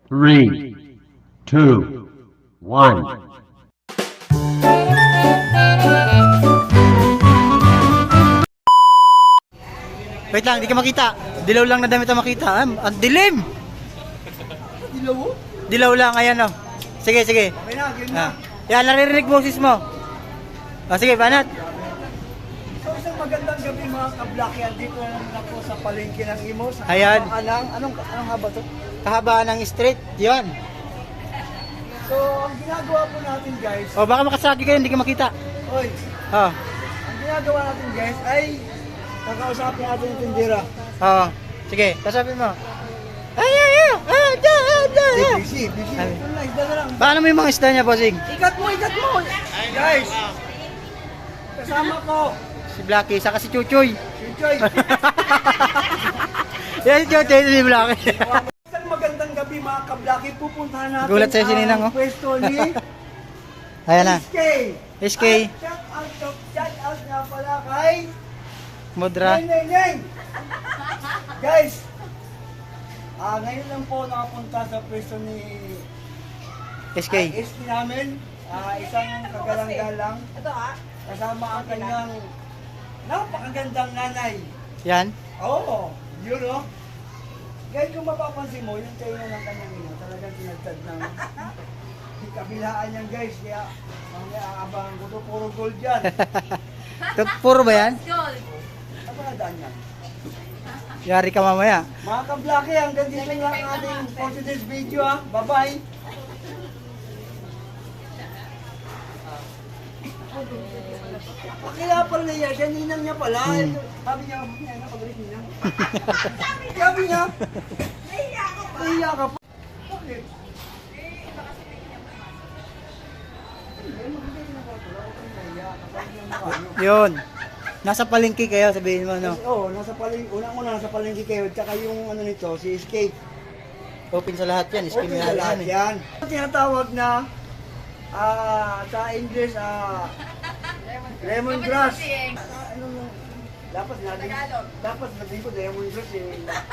Three, two, one. Wait lang, di ka makita. Dilaw lang na damit ang makita. Ang dilim! Dilaw? Dilaw lang, ayan o. Sige, sige. Okay na, game na. Yan, naririnig boses mo. Sige, banat. So isang magandang gabi mga kablakyan. Dito na naman ako sa palengke ng Imo. Sa Ayan. Anong haba to? Kahabaan ng street, yan. So ang ginagawa po natin guys. O, baka makasagi kayo, hindi ka makita. Oy, O, ang ginagawa natin guys ay kakausapin natin yung tindera. o. Sige, kasapin mo. Busy. Ay. Ito na, isda na lang. Paano mo yung mga isda niya, bossing? Ikat mo! Guys, kasama ko. Si Blacky, saka si Chuchoy. Si Choy. Yan si Chuchoy, si Blacky. Isang magandang gabi mga kablaki. Pupuntahan natin Gulat sa'yo si Ninang, oh. pwesto ni Ayan na. SK. SK. At shout out nga pala kay Mudra. Neng. Guys, ngayon lang po nakapunta sa pwesto ni SK. SK namin. Isang kagalang-galang. Kasama ang kanyang napakagandang nanay. Yan. Oo, yun o. Guys, kung mapapansin mo, yung tayo ng kanyang ina, talagang tinagtad ng kabilaan yan guys. Kaya, mamaya aabangan ko to, puro gold yan. Puro ba yan? Naparadaan yan. Yari ka mamaya. Mga kablaki, hanggang dito lang ang ating for today's video ha. Bye-bye. Kaya pala niya, siya ninang niya pala. Sabi niya, napagalit ninang. Sabi niya, nahiya ka pa. Bakit? Yun. Nasa palengke kayo, sabihin mo, no? Oo, nasa palengke, unang-una nasa palengke kayo, tsaka yung ano nito, si Escape. Open sa lahat yan. Escape Okay, yan. lahat yan. Tinatawag na, sa English, lemongrass. Dapat natin ko lemongrass eh.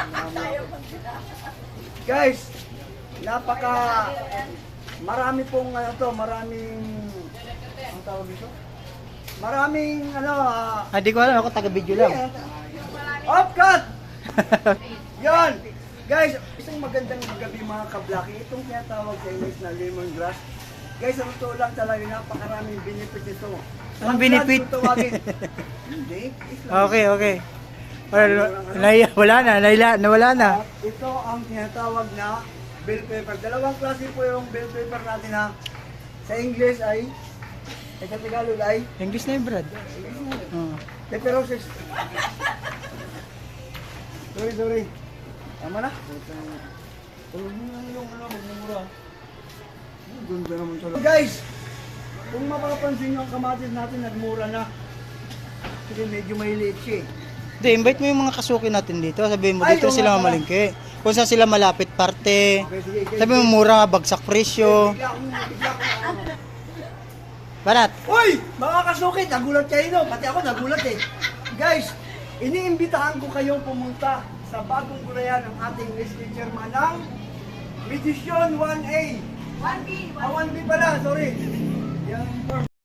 Guys, marami pong maraming, ang tawag dito? Maraming Hindi ko alam, ako taga-video lang. Off cut! Yan! Guys, isang magandang gabi mga kablaki. Itong tinatawag sa English na lemongrass. Guys, ang totoo lang talaga, napakaraming benefit ito. Anong benefit? Hindi. Okay. Wala na. Nawala na. At ito ang tinatawag na bell pepper. Dalawang klase po yung bell pepper natin ha. Sa English ay, sa Tagalog ay, English na yung Brad. pepperosis. Sorry. Tama na. Tulog mo lang yung magmumura. Ganda naman talaga. Guys, kung mapapansin nyo ang kamatis natin, nagmura na. Kasi medyo mahiliit siya eh. Hindi, invite mo yung mga kasuki natin dito. Sabihin mo, Ay, dito oo sila nga pala. mamalingke. Kung saan sila malapit parte. Okay, sige. Sabihin mo, mura, bagsak presyo. Bigla akong Banat. Uy! Mga kasukit, nagulat kayo no? Pati ako nagulat eh. Guys, iniimbitahan ko kayong pumunta sa bagong gulayan ng ating SK Chairman ng Medisyon 1A. 1B pala, sorry. Yan,